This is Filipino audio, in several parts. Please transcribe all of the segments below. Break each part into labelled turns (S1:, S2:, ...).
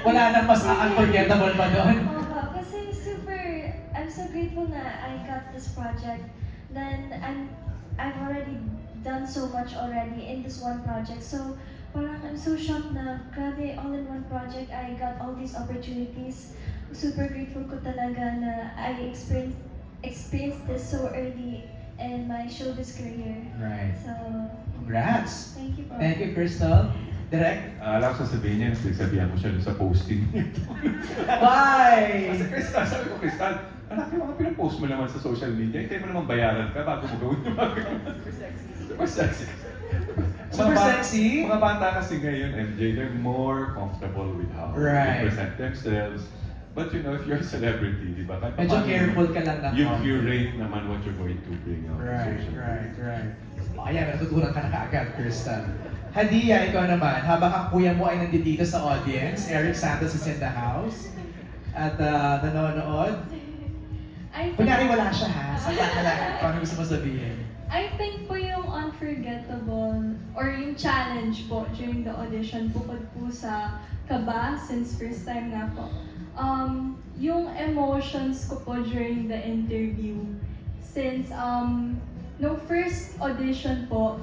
S1: Wala nang mas unforgettable pa doon.
S2: Kasi I'm so grateful na I got this project. Then I've already done so much already in this one project. So parang I'm so shocked na grabe, all in one project, I got all these opportunities. Super grateful ko talaga na I experienced this so early in my showbiz career.
S1: Right.
S2: So,
S1: Congrats!
S2: thank you po.
S1: Thank you, Crystal. Direct?
S3: Alam ko sasabihin niya, sabihan mo siya dun sa posting niya.
S1: Why?
S3: Kasi Crystal, sabi ko, Crystal, anak yung mga pinapost mo naman sa social media, hintay mo naman bayaran ka bago mo gawin yung mga ganun. Super sexy.
S1: Super sexy?
S3: Mga bata kasi ngayon, MJ, they're more comfortable with how
S1: Right.
S3: they present themselves. But you know, if you're a celebrity, di ba? Kahit
S1: Medyo
S3: paano,
S1: careful ka lang ng
S3: you
S1: konti.
S3: curate naman what you're going to bring out. on
S1: Right,
S3: social media.
S1: right. Ayan, natutunan ka na kaagad, Crystal. Hadia, ikaw naman, habang ang kuya mo ay nandito sa audience, Eric Santos is in the house, at nanonood. Kunyari wala siya ha, saka ka lang, paano gusto mo sabihin?
S4: I think po yung unforgettable or yung challenge po during the audition bukod po sa kaba since first time na po. Yung emotions ko po during the interview since no first audition po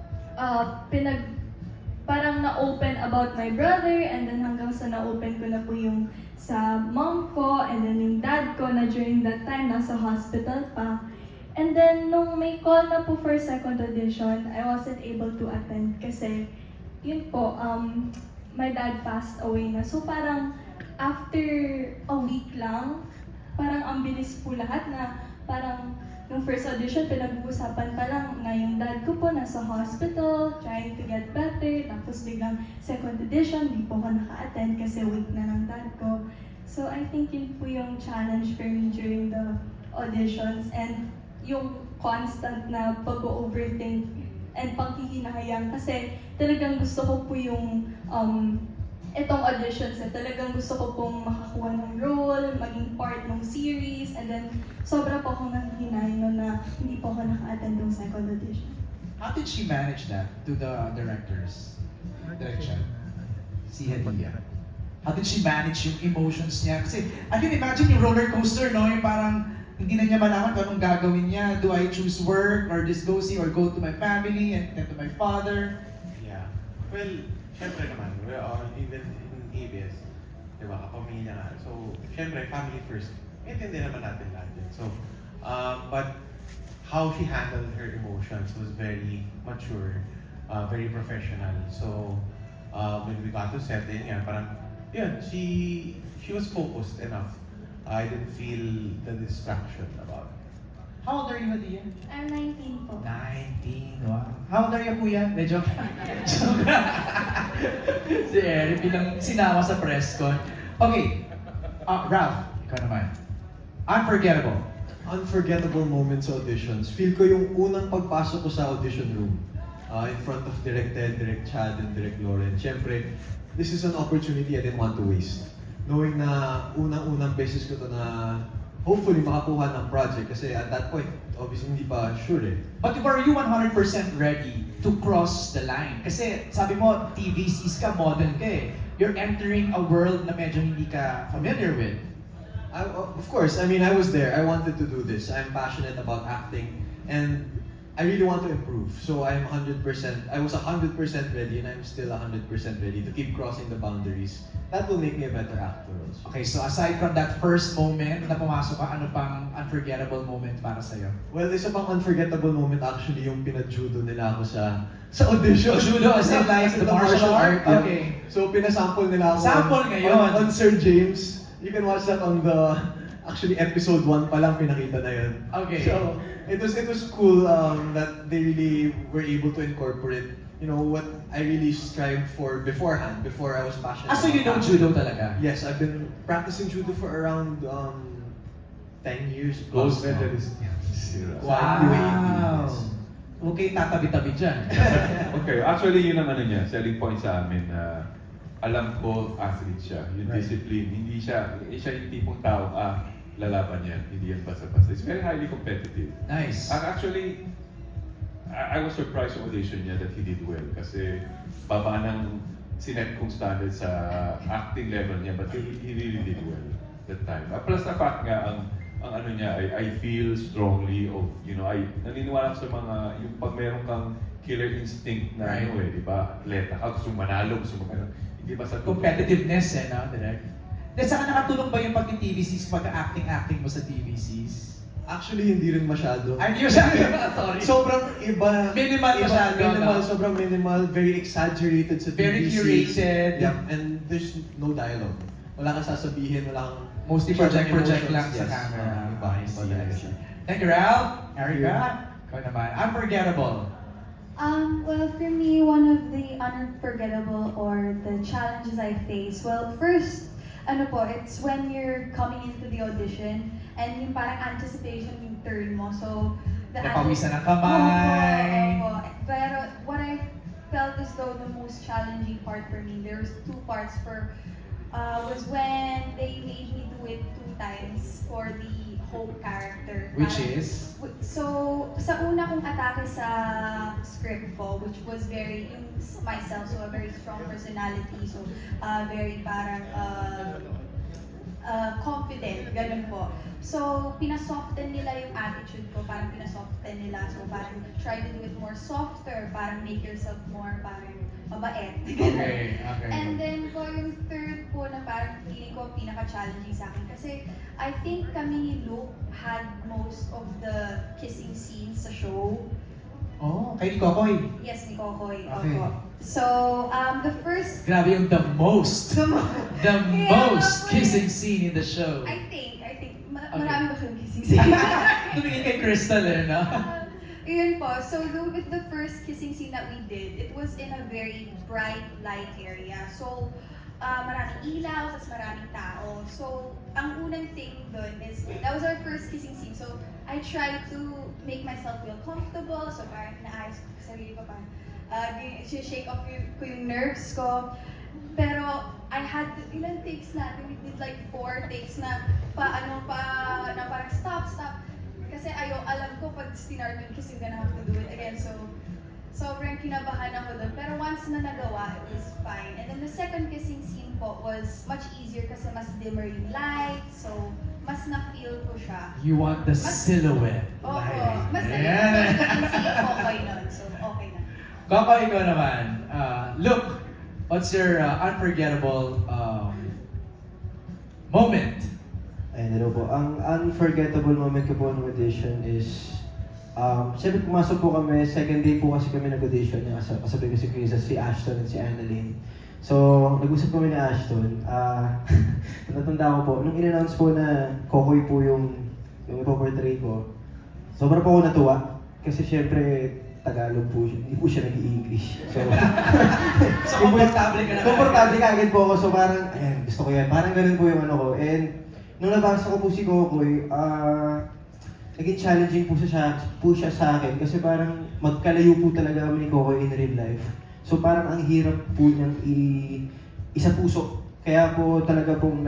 S4: parang na-open about my brother and then hanggang sa na-open ko na po yung sa mom ko and then yung dad ko na during that time nasa hospital pa. And then, nung may call na po for second audition, I wasn't able to attend kasi, yun po, my dad passed away na. So parang, after a week lang, parang ang bilis po lahat na parang, nung first audition, pinag-uusapan pa lang na yung dad ko po nasa hospital, trying to get better, tapos biglang second audition, di po ako naka-attend kasi week na ng dad ko. So I think yun po yung challenge for me during the auditions and yung constant na pag-overthink and panghihinahayang kasi talagang gusto ko po yung itong auditions na talagang gusto ko pong makakuha ng role, maging part ng series, and then sobra po akong nanghihinayin nun na hindi po ako naka-attend ng second audition.
S1: How did she manage that to the directors? Direction? Si Hadia. How did she manage yung emotions niya? Kasi I can imagine yung roller coaster, no? Yung parang hindi na niya malaman kung anong gagawin niya. Do I choose work or this go see or go to my family and then to my father?
S5: Yeah. Well, syempre naman, even in ABS, di ba, kapamilya nga. So, syempre, family first. Maintindihan naman natin lahat yun. So, but how she handled her emotions was very mature, very professional. So, when we got to set, yun, parang, yun, she was focused enough. I didn't feel the distraction about it.
S1: How old are you, Hadia?
S2: I'm 19 po.
S1: 19, wow. How old are you, kuya? Medyo. Si Eric bilang sinama sa press con. Okay, Ralph, ikaw naman. Unforgettable.
S6: Unforgettable moments sa auditions. Feel ko yung unang pagpasok ko sa audition room in front of Direct Ted, Direct Chad, and Direct Lauren. Siyempre, this is an opportunity I didn't want to waste. Knowing na unang-unang beses ko to na hopefully makakuha ng project kasi at that point, obviously hindi pa sure eh.
S1: But were you 100% ready to cross the line? Kasi sabi mo, TVCs ka, model ka eh. You're entering a world na medyo hindi ka familiar with.
S6: Of course, I mean, I was there. I wanted to do this. I'm passionate about acting and I really want to improve. So I was 100% ready and I'm still 100% ready to keep crossing the boundaries. That will make me a better actor also.
S1: Okay, so aside from that first moment na pumasok ka, ano pang unforgettable moment para sa'yo?
S6: Well, isa pang unforgettable moment actually yung pinag-judo nila ako sa audition.
S1: Judo as in like the martial art?
S6: Yeah.
S1: Okay.
S6: So pinasample nila ako
S1: Sample ngayon.
S6: on Sir James. You can watch that on the actually episode 1 pa lang pinakita na yun.
S1: Okay.
S6: So it was cool that they really were able to incorporate what I really strived for beforehand, before I was passionate.
S1: So you know
S6: about
S1: judo talaga?
S6: Yes, I've been practicing judo for around 10 years
S3: Gold
S6: plus.
S3: medalist.
S1: Wow! Okay, tatabi-tabi dyan.
S3: Okay, actually yun ang ano niya, selling point sa amin na alam ko athlete siya, yung
S1: Right.
S3: discipline, hindi siya yung tipong tao, lalaban yan, hindi yan basta-basta. It's very highly competitive.
S1: Nice.
S3: Actually, I was surprised sa audition niya that he did well kasi baba ng sinet kong standard sa acting level niya, but he really did well that time. Plus na fact nga, ang ano niya, I feel strongly of, naniniwala ko sa mga, yung pag meron kang killer instinct na
S1: Right.
S3: di ba? Atleta ka, gusto mong manalo, gusto mong hindi ba sa
S1: Competitiveness no, direct? Then saka nakatulong ba yung pag-TVCs, pag-acting mo sa TVCs?
S6: Actually, hindi rin masyado.
S1: Ay, hindi mo siya, sorry.
S6: Sobrang iba.
S1: Minimal masyado,
S6: Minimal,
S1: no?
S6: sobrang minimal. Very exaggerated sa
S1: Very
S6: TVC.
S1: curated.
S6: Yep, and there's no dialogue. Wala kang sasabihin, wala kang...
S1: Mostly project lang sa
S6: Yes.
S1: camera.
S6: Iba,
S1: I
S6: iba
S1: see,
S6: talaga
S1: I
S6: siya.
S1: see. Thank you, Ralph. Erica, ikaw naman. Unforgettable.
S7: Well, for me, one of the unforgettable or the challenges I face, well, first, it's when you're coming into the audition and yung parang anticipation yung turn mo. So,
S1: Napawisan ng kamay.
S7: Opo. Pero what I felt as though the most challenging part for me, there was two parts was when they made me do it 2 times for the Hope character.
S1: Which
S7: Parang-
S1: is?
S7: So, sa una kong atake sa script ko, which was very, myself, so a very strong personality, so very parang confident, ganun po. So, pinasoften nila yung attitude ko, parang pinasoften nila. So, parang try to do it more softer, parang make yourself more parang mabait.
S1: Okay, okay.
S7: And then po yung third po na parang feeling ko pinaka-challenging sa akin kasi I think kami ni Luke had most of the kissing scenes sa show.
S1: Oh, kay ni Kokoy.
S7: Yes, ni Kokoy.
S1: Okay.
S7: Opo. So, the first,
S1: Grabe yung the most. The
S7: Yeah,
S1: most
S7: okay.
S1: kissing scene in the show.
S7: I think,
S1: Okay.
S7: marami ba siyang kissing scene?
S1: Tumingin kay Crystal no?
S7: Yun po. So, with the first kissing scene that we did, it was in a very bright light area. So, maraming ilaw, tapos maraming tao. So, ang unang thing dun is, that was our first kissing scene. So, I tried to make myself feel comfortable. So, parang naayos ko sa sarili ko, parang shake off ko yung nerves ko. Pero, I had, ilang takes natin? We did like 4 takes na na parang stop. Kasi alam ko pag start yung kiss, you're gonna have to do it again. So, sobrang kinabahan ako doon. Pero once na nagawa, it was fine. And then the second kissing scene po was much easier kasi mas dimmer yung light. So, mas na-feel ko siya.
S1: You want the silhouette.
S7: Oo.
S1: Like,
S7: Mas
S1: ayan.
S7: na-feel ko yung Kokoy nun. So, okay na.
S1: Kokoy, ikaw naman. Look, what's your unforgettable moment?
S8: Ayun, hello po. Ang unforgettable moment ko po ng audition is, siyempre pumasok po kami, second day po kasi kami nag-audition, kasabi ko si Chris, si Ashton at si Annalyn. So, nag-usap kami ni Ashton. Natanda ko po, nung in-announce po na Kokoy po yung ipoportray ko, sobra po ako natuwa. Kasi siyempre, Tagalog po siya, hindi po siya nag-i-English. So,
S1: So, komportable ka na.
S8: komportable ka agad po ako. So, parang, ayan, gusto ko yan. Parang ganun po yung ano ko. And, nung nabasa ko po si Kokoy, naging challenging po siya sa akin kasi parang magkalayo po talaga kami ni Kokoy in real life. So parang ang hirap po niyang isa puso. Kaya po talaga pong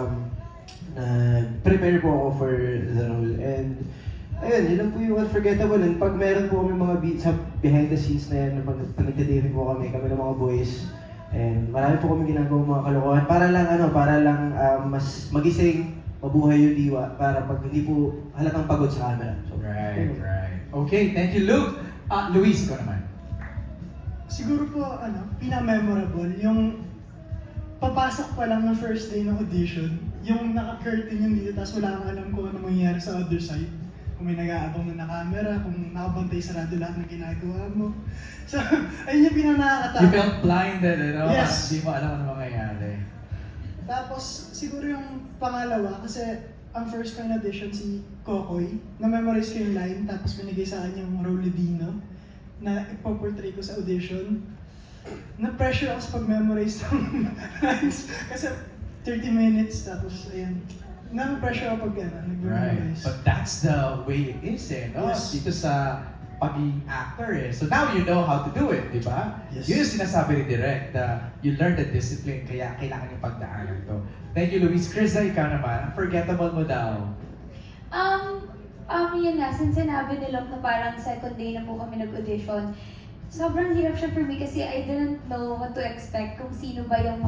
S8: nag-prepare po ako for the role. And ayun, yun lang po yung unforgettable. And pag meron po kami mga beats sa behind the scenes na yan, pag nagtitipid po kami ng mga boys, and marami po kami ginagawa mga kalokohan para lang mas magising, mabuhay yung diwa para pag hindi po halatang pagod sa camera. So,
S1: Right. Okay, thank you, Luke. Luis, ikaw naman.
S9: Siguro po, pinaka-memorable, yung papasok pa lang ng first day ng audition, yung naka-curtain yung dito, tapos wala kang alam kung ano mangyayari sa other side. Kung may nag-aabang na camera, kung nakabantay sarado lahat ng ginagawa mo. So, ayun yung
S1: You
S9: pinaka-nakakatakot.
S1: felt blinded,
S9: Yes.
S1: Hindi mo alam ano mangyayari.
S9: Tapos, siguro yung pangalawa, kasi ang first kong audition si Kokoy, na-memorize ko yung line, tapos binigay sa akin yung Rolidino na ipoportray ko sa audition. Na-pressure ako sa pag-memorize ng lines kasi 30 minutes, tapos ayan. Na-pressure ako pag nag-memorize.
S1: But that's the way it is no?
S9: Yes.
S1: Dito sa pagiging actor So now you know how to do it, di ba?
S9: Yes.
S1: Yun yung sinasabi ni Direk, you learn the discipline, kaya kailangan yung pagdaanan to. Thank you, Luis. Krista, ikaw naman. Unforgettable mo daw.
S2: Yun na, since sinabi ni Locke na parang second day na po kami nag-audition,
S7: sobrang hirap siya for me kasi I didn't know what to expect, kung sino ba yung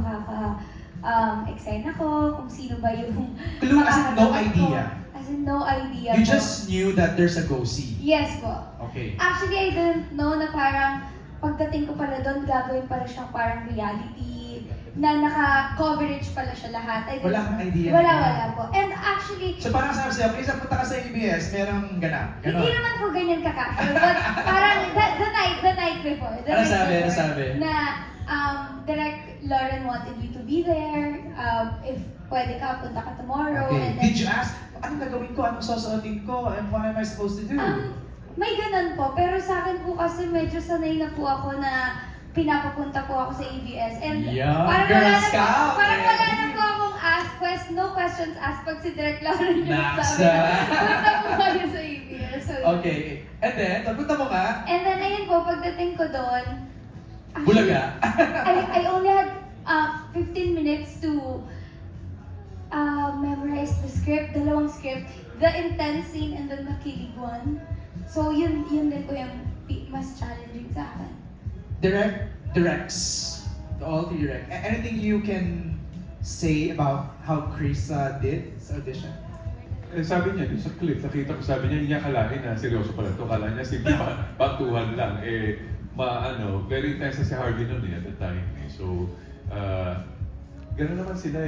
S7: eksena ko, kung sino ba yung
S1: Clue as in no
S7: makakagawa ko.
S1: idea.
S7: As in no idea
S1: You
S7: po.
S1: just knew that there's a go-see.
S7: Yes po.
S1: Okay.
S7: Actually, I didn't know na parang pagdating ko pala doon, gagawin pala siyang parang reality, na naka-coverage pala siya lahat. I didn't
S1: Wala kang idea.
S7: Wala po. And actually,
S1: So parang sabi sa'yo, kaysa punta ka sa ABS, merong ganap.
S7: hindi
S1: Ganon.
S7: naman po ganyan ka-casual, but parang the night before. The
S1: Ano
S7: night
S1: sabi? Ano
S7: before,
S1: sabi?
S7: Na Direct Lauren wanted you to be there. If pwede ka, punta ka tomorrow.
S1: Okay.
S7: And then,
S1: Did you ask, anong gagawin ko? Anong susuotin ko? And what am I supposed to do?
S7: may ganun po. Pero sa akin po kasi medyo sanay na po ako na pinapapunta po ako sa ABS. And
S1: Yeah,
S7: parang
S1: Girl
S7: wala na po,
S1: Scout,
S7: parang
S1: eh.
S7: wala na po akong no questions asked pag si Direct Lauren yung
S1: Nasa.
S7: sabi. Punta po kayo sa ABS. So,
S1: Okay. And then, pagpunta mo nga,
S7: And then, ayun po, pagdating ko doon,
S1: bulaga.
S7: I only had 15 minutes to memorize the script, dalawang script, the intense scene and then the kilig one. So, yun din po yung mas challenging sa akin.
S1: Directs. To all three direct. Anything you can say about how Krisa did sa audition?
S3: Eh, sabi niya, dun sa clip, nakita ko, sabi niya, hindi niya akalain na seryoso pala ito. Akala niya, simple bantuhan lang. Very intense na si Harvey noon at the time. So, gano'n naman sila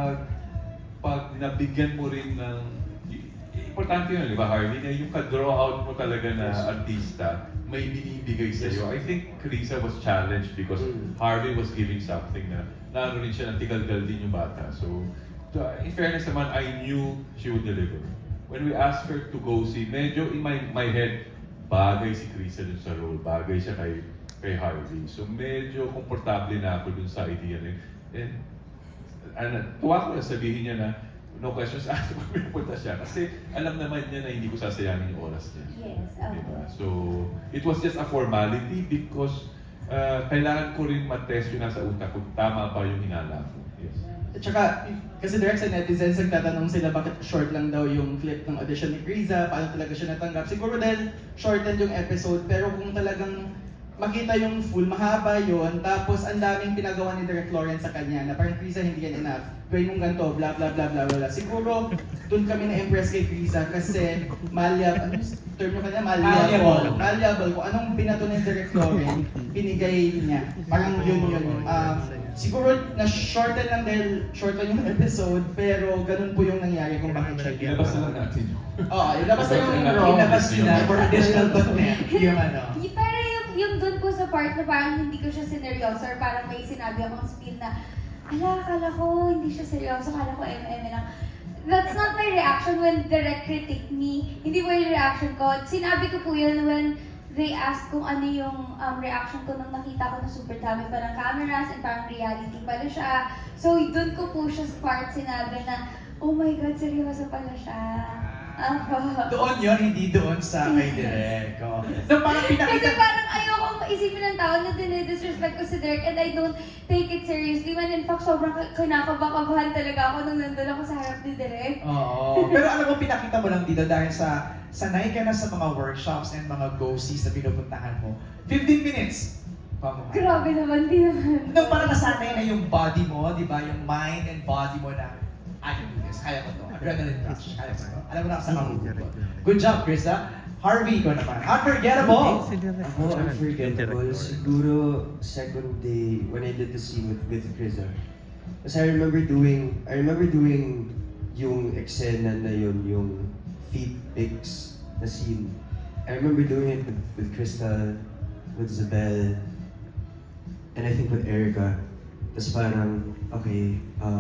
S3: pag nabigyan mo rin ng, importante yun, di ba, Harvey, na yung ka-draw out mo talaga na artista, may binibigay sa'yo. I think Krisa was challenged because Harvey was giving something na naano rin siya, natigalgal din yung bata. So, in fairness naman, I knew she would deliver. When we asked her to go see, medyo in my head, bagay si Krisa dun sa role, bagay siya kay Harvey. So medyo komportable na ako dun sa idea na yun. And tuwa ko na sabihin niya na, no questions asked pag pinupunta siya. Kasi alam naman niya na hindi ko sasayangin yung oras niya.
S7: Yes.
S3: Diba? So, it was just a formality because kailangan ko rin matest yung nasa utak kung tama ba yung hinala ko. Yes.
S10: At saka, kasi direct sa netizens, nagtatanong sila bakit short lang daw yung clip ng audition ni Krisa, paano talaga siya natanggap. Siguro dahil shortened yung episode, pero kung talagang makita yung full, mahaba yun, tapos ang daming pinagawa ni Direct Lauren sa kanya, na parang Krisa hindi yan enough, gawin mong ganito, bla bla bla bla bla. Siguro, dun kami na-impress kay Krisa kasi ano term nyo kanya? Malleable. Kung anong binato ni Direct Lauren, binigay niya. Parang yun. Siguro na-shorten lang dahil short lang yung episode, pero ganun po yung nangyari kung bakit siya
S3: Ilabas na lang natin yun.
S10: Oo, ilabas na yung raw.
S1: Ilabas nila for additional.net yung ano.
S7: Pero yung dun po sa part na parang hindi ko siya sineryoso or parang may sinabi akong spiel na akala ko hindi siya seryoso, akala ko lang. That's not my reaction when direct critic me. Hindi po yung reaction ko. Sinabi ko po yun when they asked kung ano yung reaction ko nung nakita ko na super dami pa ng cameras and parang reality pala siya. So, dun ko po siya sa part sinabi na, oh my God, seryoso pala siya.
S1: Doon yun, hindi doon sa kay Direk. Oh. So parang
S7: Kasi
S1: pinakita...
S7: parang ayokong isipin ng tao na dinidisrespect ko si Direk and I don't take it seriously when in fact sobrang kinakabahan talaga ako nung nandun ako sa harap ni Direk.
S1: Oo. Pero alam mo, pinakita mo lang dito dahil sa sanay ka na sa mga workshops and mga go-sees na pinupuntahan mo. 15 minutes. Pamukha.
S7: Grabe naman, di naman.
S1: No, parang nasanay na yung body mo, di ba? Yung mind and body mo na, I can do this, kaya ko to. Adrenaline rush, kaya ko to. Alam mo na sa mahuhugot. Good job, Krista. Harvey, ikaw naman. Unforgettable!
S8: Ako, unforgettable. Siguro, second day, when I did the scene with Krisa. Kasi I remember doing yung eksena na yun, yung feet pics na scene. I remember doing it with Krista, with Isabel, and I think with Erica. Tapos parang, okay,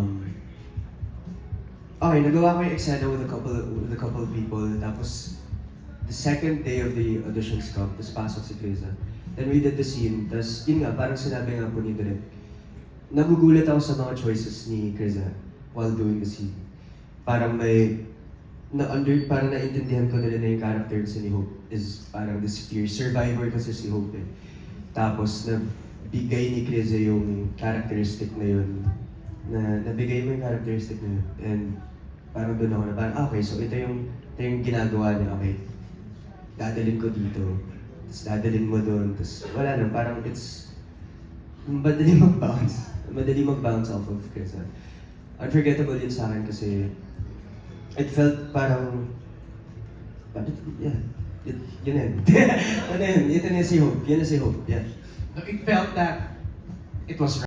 S8: nagawa ko yung eksena with a couple of people. Tapos, the second day of the auditions come, tapos pasok si Krisa. Then we did the scene, tapos yun nga, parang sinabi nga po ni Direk, nagugulat ako sa mga choices ni Krisa while doing the scene. Parang parang naintindihan ko na rin na yung character ni Hope is parang this fear. Survivor kasi si Hope eh. Tapos, nabigay ni Krisa yung characteristic na yun. Nabigay mo yung characteristic na yun. And parang doon ako na parang, okay, so ito yung ginagawa niya, okay. Dadalhin ko dito.
S11: tapos dadalhin mo doon, tapos wala lang, parang it's madali mag-bounce off of Chris. Unforgettable yun sa akin kasi it felt parang, yeah, yun na yun. Ano yun, ito na si Hope, yun na si Hope, yeah.
S1: It felt that it was